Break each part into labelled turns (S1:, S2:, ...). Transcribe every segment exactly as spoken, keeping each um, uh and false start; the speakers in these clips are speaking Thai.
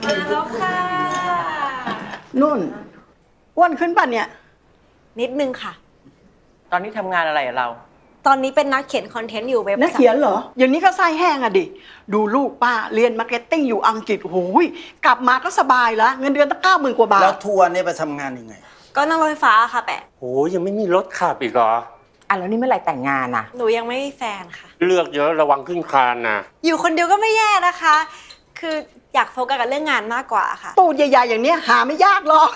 S1: มาแล้วค่ะ
S2: นุ่นอ้วนขึ้นป่ะเนี่ย
S1: นิดนึงค่ะ
S3: ตอนนี้ทำงานอะไรอะเรา
S1: ตอนนี้เป็นนักเขียนคอนเทนต์อยู่เว็บ
S2: นักเขียนเหรออย่างนี้ก็ไส้แห้งอะดิดูลูกป้าเรียนมาร์เก็ตติ้งอยู่อังกฤษโอ้ยกลับมาก็สบายแล้วเงินเดือนตั้งเก้าหมื่นกว่าบาท
S4: แล้วทัวร์เนี่ยไปทำงานยังไง
S1: ก็นั่งรถไฟฟ้าค่ะแปะ
S5: โอ้ยังไม่มีรถขับอีกเหรอ
S6: อ่ะแล้วนี่เมื่อไหร่แต่งงานอ่ะ
S1: หนูยังไม่มีแฟนค่ะ
S5: เลือกเยอะระวังขึ้นคานนะ
S1: อยู่คนเดียวก็ไม่แย่นะคะ คืออยากโฟกัสกับเรื่องงานมากกว่าค่ะ
S2: ตูดใหญ่ๆอย่างเนี้ยหาไม่ยากหรอก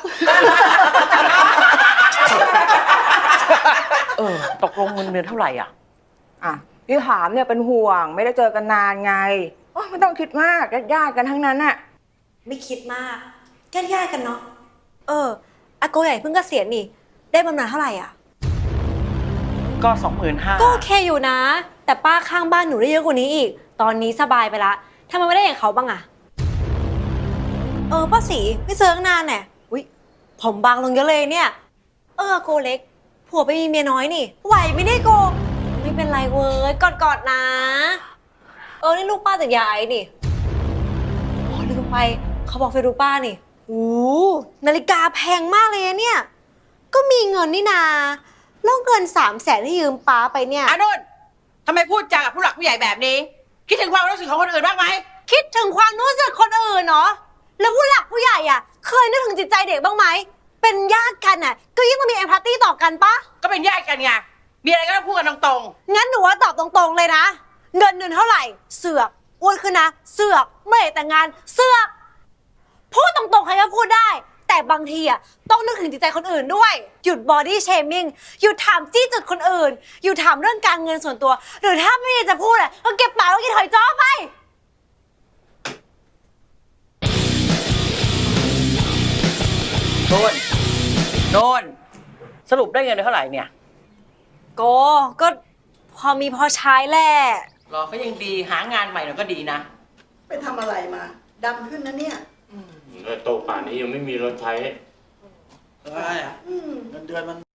S3: เออตกลงเงินเดือนเท่าไหร่อ่ะ
S6: อ่ะพี่ถามเนี่ยเป็นห่วงไม่ได้เจอกันนานไงโอ้ไม่ต้องคิดมากญาติๆกันทั้งนั้นน่ะ
S1: ไม่คิดมากญาติญาติกันเนาะเอออาโกใหญ่เพิ่งเกษียณนี่ได้บำนาญเท่าไหร่อ่ะ
S3: ก็สองหมื่นห้า
S1: ก็โอเคอยู่นะแต่ป้าข้างบ้านหนูได้เยอะกว่านี้อีกตอนนี้สบายไปละทำไมไม่ได้อย่างเขาบ้างอะเออป้าสีไม่เจอตั้งนานแน่อุ๊ยผมบางลงเยอะเลยเนี่ยเออโกเล็กผัวไปมีเมียน้อยนี่ไหวไม่ได้โกไม่เป็นไรเว้ยกอดๆนะเออนี่ลูกป้าจากยายนี่อ๋อลืมไปเขาบอกเฟรูป้านี่โอ้นาฬิกาแพงมากเลยเนี่ยก็มีเงินนี่นาแล้วเงินสามแสนที่ยืมป้าไปเนี่ย
S7: อานุนทำไมพูดจากับผู้หลักผู้ใหญ่แบบนี้คิดถึงความรู้สึกของคนอื่นบ้างไหม
S1: คิดถึงความรู้สึกคนอื่นเนาะแล้วผู้หลักผู้ใหญ่อ่ะเคยนึกถึงจิตใจเด็กบ้างไหมเป็นญาติกันอ่ะก็ยิ่งต้องมีเอมพัตตี้ต่อกันปะ
S7: ก็เป็นญาติกันไงมีอะไรก็ต้องพูดกันตรง
S1: ๆงั้นหนูว่าตอบตรงๆเลยนะเงินเดือนเท่าไหร่เสือกอ้วนขึ้นนะเสือกไม่แต่งงานเสือกพูดตรงๆใครก็พูดได้แต่บางทีอ่ะต้องนึกถึงจิตใจคนอื่นด้วยหยุดบอดี้เชมิ่งหยุดถามจี้จุดคนอื่นหยุดถามเรื่องการเงินส่วนตัวหรือถ้าไม่มีจะพูดอ่ะก็เก็บปากแล้วกินหอยจ้อไป
S3: โน่นโน่นสรุปได้เงินเท่าไหร่เนี่ย
S1: โกก็พอมีพอใช้แหละ
S3: รอก็ยังดีหางานใหม่หน่อยก็ดีนะ
S2: ไปทำอะไรมาดำขึ้นนะเนี่ย
S5: โตป่านนี้ยังไม่มีรถใช้
S4: เงินเดือนมัน